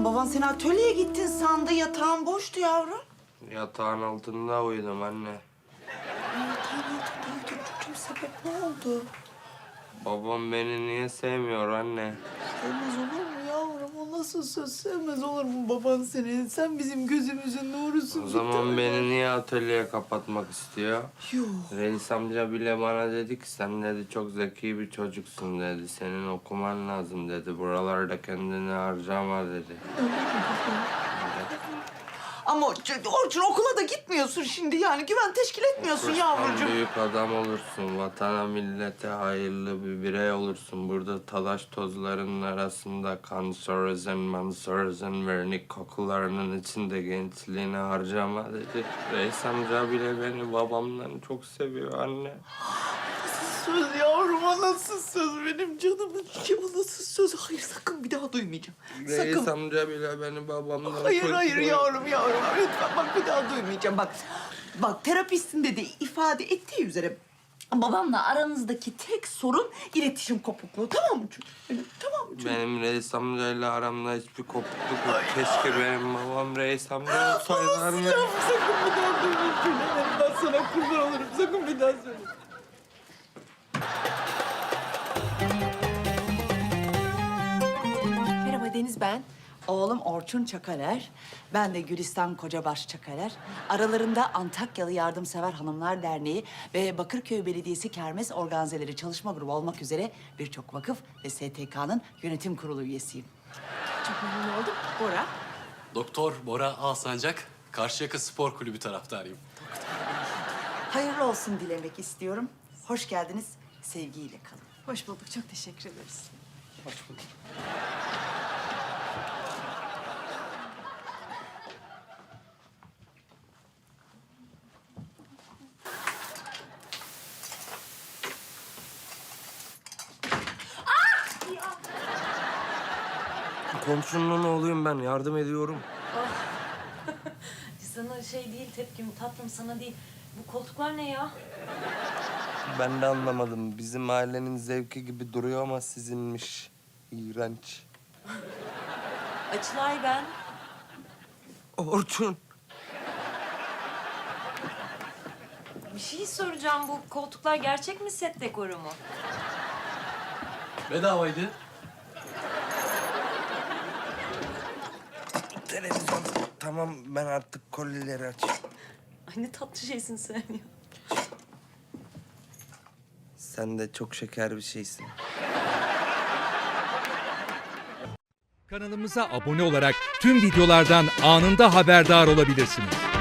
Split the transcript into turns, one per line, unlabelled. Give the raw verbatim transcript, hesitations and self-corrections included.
baban seni atölyeye gittin sandı. Yatağın boştu yavrum.
Yatağın altında uyudum anne.
Yatağın altında uyudun çocuğum. Sebep ne oldu?
Babam beni niye sevmiyor anne?
Sevmez olur mu yavrum? O nasıl söz? Sevmez olur mu baban seni? Sen bizim gözümüzün nurusun.
O zaman beni niye atölyeye kapatmak istiyor?
Yok.
Reis amca bile bana dedi ki sen dedi çok zeki bir çocuksun dedi. Senin okuman lazım dedi. Buralarda kendini harcama dedi.
Ama Orçun okula da gitmiyorsun şimdi yani. Güven teşkil etmiyorsun
Okursan
yavrucuğum.
büyük adam olursun. Vatana millete hayırlı bir birey olursun. Burada talaş tozlarının arasında kanserozen, manserozen, vernik kokularının içinde gençliğini harcama dedi. Reis amca bile beni babamdan çok seviyor anne.
Söz yavrum, o nasıl söz benim canımın içi, o nasıl söz? Hayır, sakın bir daha duymayacağım.
Reis
Sakın.
amca bile beni babamdan
Hayır,
çok
hayır
seviyor.
yavrum, yavrum. Lütfen bak bir daha duymayacağım. Bak, bak terapistin de ifade ettiği üzere babamla aranızdaki tek sorun iletişim kopukluğu. Tamam mı çocuğum? Benim, tamam mı çocuğum?
Benim reis amcayla aramda hiçbir kopukluk yok. Keşke benim babam reis amca olsaydı anne.
Yavrum, sakın bir daha duymayacağım. Ben sana kurban olurum. Sakın bir daha söyle.
Merhaba Deniz ben.
Oğlum Orçun Çakaler, ben de Gülistan Kocabaş Çakaler. Aralarında Antakyalı Yardımsever Hanımlar Derneği ve Bakırköy Belediyesi Kermes Organizeleri Çalışma Grubu olmak üzere birçok vakıf ve S T K'nın yönetim kurulu üyesiyim.
Çok memnun oldum. Bora.
Doktor Bora Alsancak, Karşıyaka Spor Kulübü taraftarıyım.
Hayırlı olsun dilemek istiyorum. Hoş geldiniz, sevgiyle kalın.
Hoş bulduk. Çok teşekkür ederiz.
Hoş bulduk. Komşunun oğluyum ben, yardım ediyorum.
Sana şey değil tepkim tatlım sana değil. Bu koltuklar ne ya?
Ben de anlamadım. Bizim ailenin zevki gibi duruyor ama sizinmiş. İğrenç.
Açılay ben.
Orçun.
Bir şey soracağım. Bu koltuklar gerçek mi set dekoru mu?
Bedavaydı.
Televizyon. Tamam, ben artık kolileri açayım.
Ay ne tatlı şeysin sen ya.
Sen de çok şeker bir şeysin.
Kanalımıza abone olarak tüm videolardan anında haberdar olabilirsiniz.